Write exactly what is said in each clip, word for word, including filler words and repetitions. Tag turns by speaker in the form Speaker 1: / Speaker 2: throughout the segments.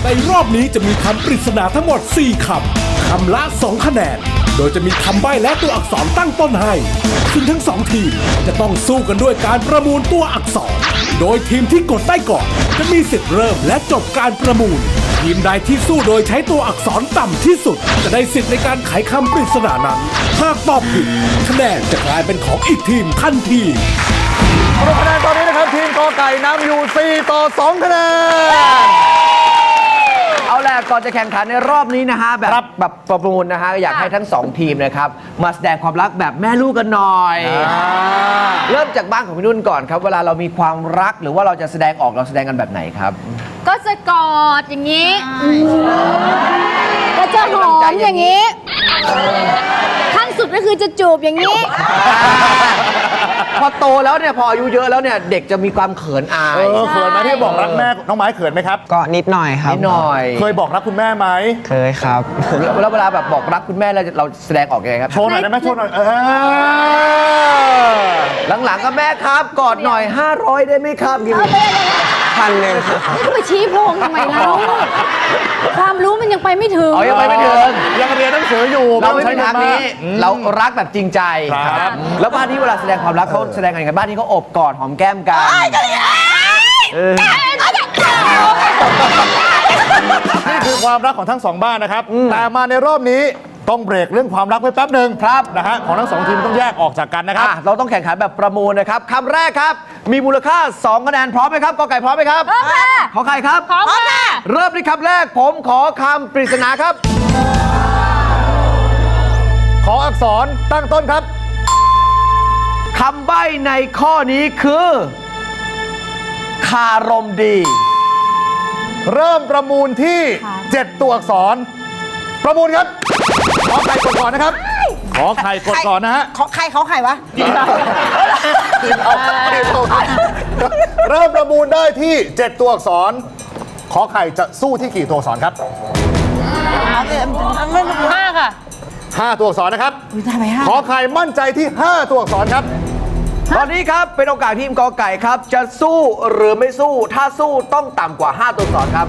Speaker 1: ในรอบนี้จะมีคำปริศนาทั้งหมดสี่คำคำละสองคะแนนโดยจะมีคำใบ้และตัวอักษรตั้งต้นให้ซึ่งทั้งสองทีมจะต้องสู้กันด้วยการประมูลตัวอักษรโดยทีมที่กดได้ก่อนจะมีสิทธิ์เริ่มและจบการประมูลทีมใดที่สู้โดยใช้ตัวอักษรต่ำที่สุดจะได้สิทธิ์ในการไขคำปริศนานั้นหากตอบผิดคะแนนจะกลายเป็นของอีกทีมทันที
Speaker 2: สรุปคะแนนตอนนี้นะครับทีมกอไก่นำอยู่สี่ต่อสองคะแนน
Speaker 3: เอาแหละก่อนจะแข่งขันในรอบนี้นะฮะแบบแบบประมูลนะฮะอยากให้ทั้งสองทีมนะครับมาแสดงความรักแบบแม่ลูกกันหน่อยเริ่มจากบ้านของพี่นุ่นก่อนครับเวลาเรามีความรักหรือว่าเราจะแสดงออกเราแสดงกันแบบไหนครับ
Speaker 4: ก็จะกอดอย่างนี้ก็จะหอมอย่างนี้ขั้นสุดก็คือจะจูบอย่างนี้
Speaker 3: พอโตแล้วเนี่ยพออายุเยอะแล้วเนี่ยเด็กจะมีความเขินอาย
Speaker 2: เออเขินไหมที่บอกรักแม่น้องไม้เขินไหมครับ
Speaker 5: ก็นิดหน่อยครับ
Speaker 3: นิดหน่อย
Speaker 2: เคยบอกรักคุณแม่ไหม
Speaker 5: เคยครับ
Speaker 3: แล้วเวลาแบบบอกรักคุณแม่เราเราแสดงออกยังไงครับ
Speaker 2: โชว์หน่อยได้ไหมโชว์หน่อยเอ
Speaker 3: อหลังๆก็แม่ครับกอดหน่อยห้าร้อยได้ไหมครับกิน
Speaker 5: พันหนึ่ง
Speaker 4: นี่ก็ไปชี้โพงทำไมเล่าความรู้มันยังไปไม่ถึง
Speaker 3: อ๋อยังไปไม่ถึง
Speaker 2: ยังเรียนหนังสืออยู่
Speaker 3: เราไม่ใช่ทางนี้เรารักแบบจริงใจ
Speaker 2: ครับ
Speaker 3: แล้วบ้านที่เวลาแสดงความรักเขาแสดงกันยังไงบ้านที่เขาอบกอดหอมแก้มกัน
Speaker 2: นี่คือความรักของทั้งสองบ้านนะครับแต่มาในรอบนี้ต้องเบรกเรื่องความรักไว้แป๊บหนึ่งครับนะฮะของทั้งสองทีมต้องแยกออกจากกันนะครับ
Speaker 3: เราต้องแข่งขันแบบประมูลนะครับคำแรกครับมีมูลค่าสองคะแนนพร้อมไหมครับกอไก่พร้อมไหมครับ
Speaker 4: พร้อมค่ะ
Speaker 3: ขอไข่ครับ
Speaker 4: พร้อมค่ะ
Speaker 3: เริ่มที่คำแรกผมขอคำปริศนาครับ
Speaker 2: ขออักษรตั้งต้นครับ
Speaker 3: คำใบ้ในข้อนี้คือคารมดี
Speaker 2: เริ่มประมูลที่เจ็ดตัวอักษรประมูลครับขอไข่กดก่อนนะครับขอไข่กดก่อนนะฮะ
Speaker 4: ขอไข่เขาไข่วะ
Speaker 2: เริ่มประมูลได้ที่เจ็ดตัวอักษรขอไข่จะสู้ที่กี่ตัวอักษรครับ
Speaker 4: ห้าค่ะ
Speaker 2: ห้าตัวอักษรนะครับขอไข่มั่นใจที่ห้าตัวอักษรครับ
Speaker 3: ตอนนี้ครับเป็นโอกาสทีมกอไก่ครับจะสู้หรือไม่สู้ถ้าสู้ต้องต่ำกว่าห้าตัวอักษรครับ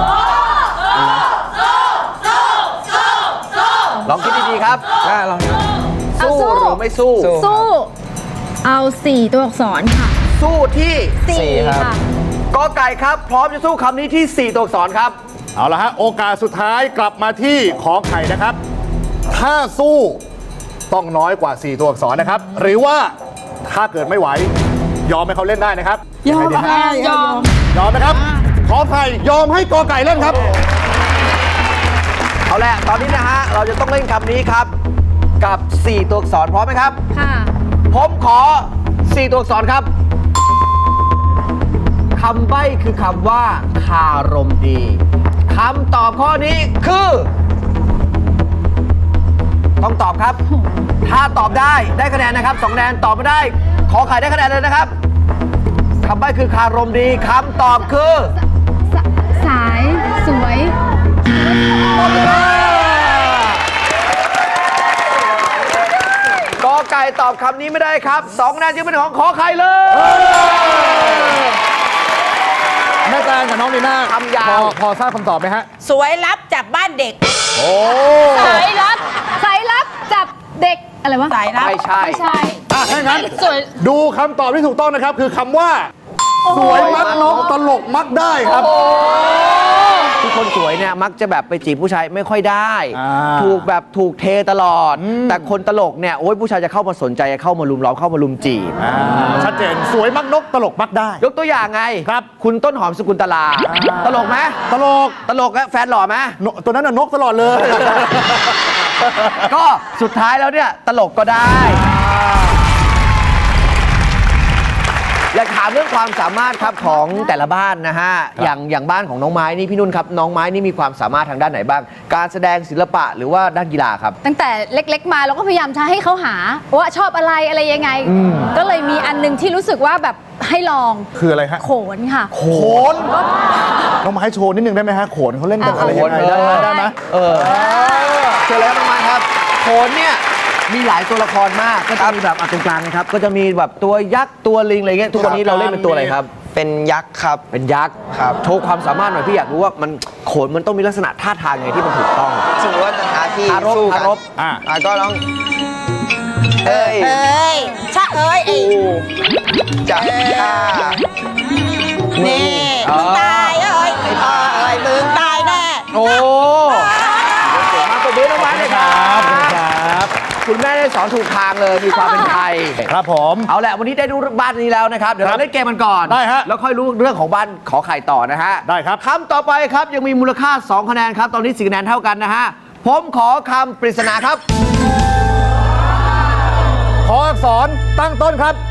Speaker 3: ลองคิดดีๆครับลองสู้หรือไม่สู้
Speaker 4: สู้เอาสี่ตัวอักษรค่ะ
Speaker 3: สู้ที่
Speaker 4: สี่ค่ะ
Speaker 3: กอไก่ครับพร้อมจะสู้คำนี้ที่สี่ตัวอักษรครับ
Speaker 2: เอาละฮะโอกาสสุดท้ายกลับมาที่ขอไข่นะครับถ้าสู้ต้องน้อยกว่าสี่ตัวอักษรนะครับหรือว่าถ้าเกิดไม่ไหวยอมให้เขาเล่นได้นะครับ
Speaker 4: ยอมค่ะยอม
Speaker 2: ยอมนะครับขอไข่ยอมให้กอไก่เล่นครับ
Speaker 3: เอาละตอนนี้นะฮะเราจะต้องเล่นคำนี้ครับกับสี่ตัวอักษรพร้อมไหมครับ
Speaker 4: ค่ะ
Speaker 3: ผมขอสี่ตัวอักษรครับคำใบ้คือคำว่าคารมดีคำตอบข้อนี้คือต้องตอบครับถ้าตอบได้ได้คะแนนนะครับสองคะแนนตอบไม่ได้ขอไข่ได้คะแนนเลยนะครับคำใบ้คือคารมดีคำตอบคือ
Speaker 4: สายสวย
Speaker 3: กอไก่ตอบคำนี้ไม่ได้ครับสองคะแนนจึงเป็นของขอไข่เลย
Speaker 2: แม่แตงกับน้องลีน่า
Speaker 3: คำยาว
Speaker 2: พอพอทราบคำตอบไหมฮะ
Speaker 6: สวยรับจับบ้านเด็ก
Speaker 2: โอ้
Speaker 4: สายรับสายรับจับเด็กอะไรวะ
Speaker 6: สายรับ
Speaker 3: ไม่ใช่
Speaker 4: ไม่ใช่
Speaker 2: อ่ะงั้นดูคำตอบที่ถูกต้องนะครับคือคำว่าสวยมักนกตลกมักได้ครับ
Speaker 3: ทุกคนสวยเนี่ยมักจะแบบไปจีบผู้ชายไม่ค่อยได้ถูกแบบถูกเทตลอดแต่คนตลกเนี่ยโอ้ยผู้ชายจะเข้ามาสนใจเข้ามาลุมล้อมเข้ามาลุมจีบ
Speaker 2: ชัดเจนสวยมักนกตลกมักได้
Speaker 3: ยกตัวอย่างไง
Speaker 2: ครับ
Speaker 3: คุณต้นหอมสกุลตลาตลกไหม
Speaker 2: ตลก
Speaker 3: ตลกแฟนหล่อไหม
Speaker 2: ตัวนั้นน่ะนกตลอดเลย
Speaker 3: ก็สุดท้ายแล้วเนี่ยตลกก็ได้อยากถามเรื่องความสามารถครับของแต่ละบ้านนะฮะอย่างอย่างบ้านของน้องไม้นี่พี่นุ่นครับน้องไม้นี่มีความสามารถทางด้านไหนบ้างการแสดงศิลปะหรือว่าด้านกีฬาครับ
Speaker 4: ตั้งแต่เล็กๆมาเราก็พยายามจะให้เขาหาว่าชอบอะไรอะไรยังไงก็เลยมีอันนึงที่รู้สึกว่าแบบให้ลอง
Speaker 2: คืออะไรฮะ
Speaker 4: โขนค่ะ
Speaker 2: โขนน้องไม้โชว์นิดนึงได้ไหมฮะโขนเขาเล่นกันอะไรยังไงได้ไหมได้ไหม
Speaker 3: เออเชิญแล้วน้องไม้ครับโขนเนี่ยมีหลายตัวละครมากก็จะมีแบบตรงกลางนะครับก็จะมีแบบตัวยักษ์ตัวลิงอะไรเงี้ยทุกวันนี้เราเล่นเป็นตัวอะไรครับ
Speaker 5: เเป็นยักษ์ครับ
Speaker 3: เป็นยักษ์
Speaker 5: ครับ
Speaker 3: โชว์ความสามารถหน่อยพี่อยากรู้ว่ามันโขนมันต้องมีลักษณะท่าทางไงที่มันถูกต้อง
Speaker 5: สมมติว่าจะท้าที่
Speaker 3: ท้ารบ
Speaker 5: สู้กัน
Speaker 3: ท้ารบ
Speaker 2: อ่ะ
Speaker 5: อ่ะก็ต้องเอ้ย
Speaker 6: เอ้ยชะเอ้ยไอ้
Speaker 5: จะฆ่า
Speaker 6: นี่มึงตายเอ้ยไอ้พ่อเอ้ยมึงตายแน่
Speaker 3: โอ้เก่งมากตัวเบ้น้องไม้เลยครับ
Speaker 2: ครับ
Speaker 3: คุณแม่ได้สอนถูกทางเลยมีความเป็นไทย
Speaker 2: ครับผม
Speaker 3: เอาแหละวันนี้ได้ดูบ้านนี้แล้วนะครับ เดี๋ยว
Speaker 2: ครั
Speaker 3: เรา
Speaker 2: บ
Speaker 3: เล่นเกมกันก่อน
Speaker 2: ได้ฮะ
Speaker 3: แล้วค่อยรู้เรื่องของบ้านขอไข่ต่อนะฮะ
Speaker 2: ได้ครับ
Speaker 3: คำต่อไปครับยังมีมูลค่า สอง คะแนนครับ ตอนนี้สี่คะแนนเท่ากันนะฮะ ผมขอคำปริศนาครับ
Speaker 2: ขออักษรตั้งต้นครับ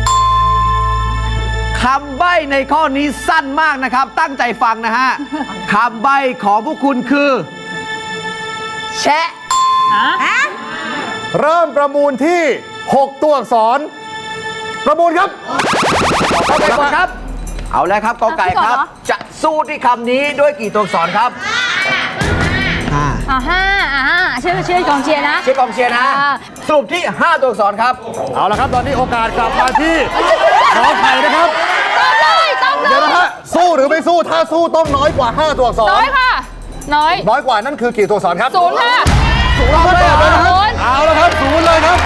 Speaker 3: คำใบ้ในข้อนี้สั้นมากนะครับ ตั้งใจฟังนะฮะ คำใบ้ของพวกคุณคือ แชะ
Speaker 6: ฮะ
Speaker 2: เริ่มประมูลที่ หก ตัวอักษร ประมูลครับ
Speaker 3: กอไก่ก่อนครับ เอาแล้วครับกอไก่ครับ
Speaker 4: เอาพี่ก่อนเหรอ
Speaker 3: จะสู้ที่คำนี้ด้วยกี่ตัวอักษรครับ
Speaker 5: ห้า
Speaker 4: อ่าห้าอ่าห้าชื่อชื่อกองเชียร์นะ
Speaker 3: เชียร์กองเชียร์นะ
Speaker 4: อ่า
Speaker 3: สรุปที่ ห้า ตัวอักษรครับ
Speaker 2: เอาละครับ ตอนนี้โอกาสกลับมาที่ขอไข่นะครับ
Speaker 4: ตอบเลยตอบเล
Speaker 2: เดี๋ยวย นะฮะ สู้หรือไม่สู้ ถ้าสู้ต้องน้อยกว่า ห้า ตัวอักษร
Speaker 7: น้อยค่ะ น้อย
Speaker 2: น้อยกว่านั่นคือกี่ตัวอักษรครับ
Speaker 7: ศูนย์ค่ะ
Speaker 2: ศูนย์เลยเหรอนะค
Speaker 7: ศู
Speaker 2: รับ
Speaker 7: นย์
Speaker 2: เอาละครับศูนย์เลยครับ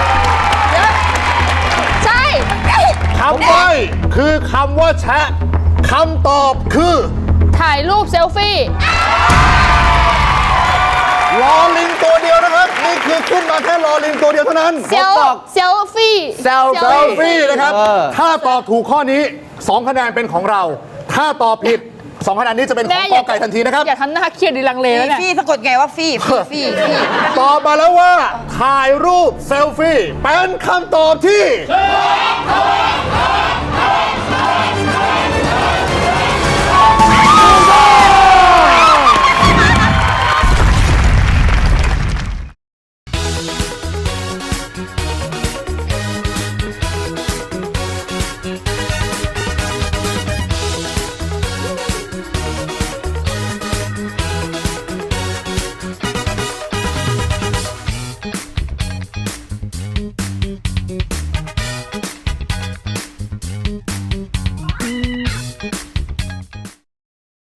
Speaker 7: ใช่
Speaker 2: คำใบ้คือคำว่าแชะคำตอบคือ
Speaker 7: ถ่ายรูปเซลฟี่
Speaker 2: ลอลิงตัวเดียวนะครับ นี่คือขึ้นมาแค่ลอลิงตัวเดียวเท่านั้น
Speaker 7: เซล
Speaker 3: บอก
Speaker 7: เซลฟี่
Speaker 3: เซล
Speaker 2: เซลฟี่นะครับ
Speaker 3: เออ
Speaker 2: ถ้าตอบถูกข้อนี้ สอง คะแนนเป็นของเรา ถ้าตอบผิด สอง คะแนนนี้จะเป็นของกอไก่ทันทีนะครับ
Speaker 7: อย่าทำหน้าเครียดดิลังเลแล้วเนี่ย
Speaker 6: ฟี่สะกดไงว่าฟี่ฟี่ฟี่ฟี่
Speaker 2: ตอบมาแล้วว่า ถ่ายรูปเซลฟี่ เป็นคำตอบที่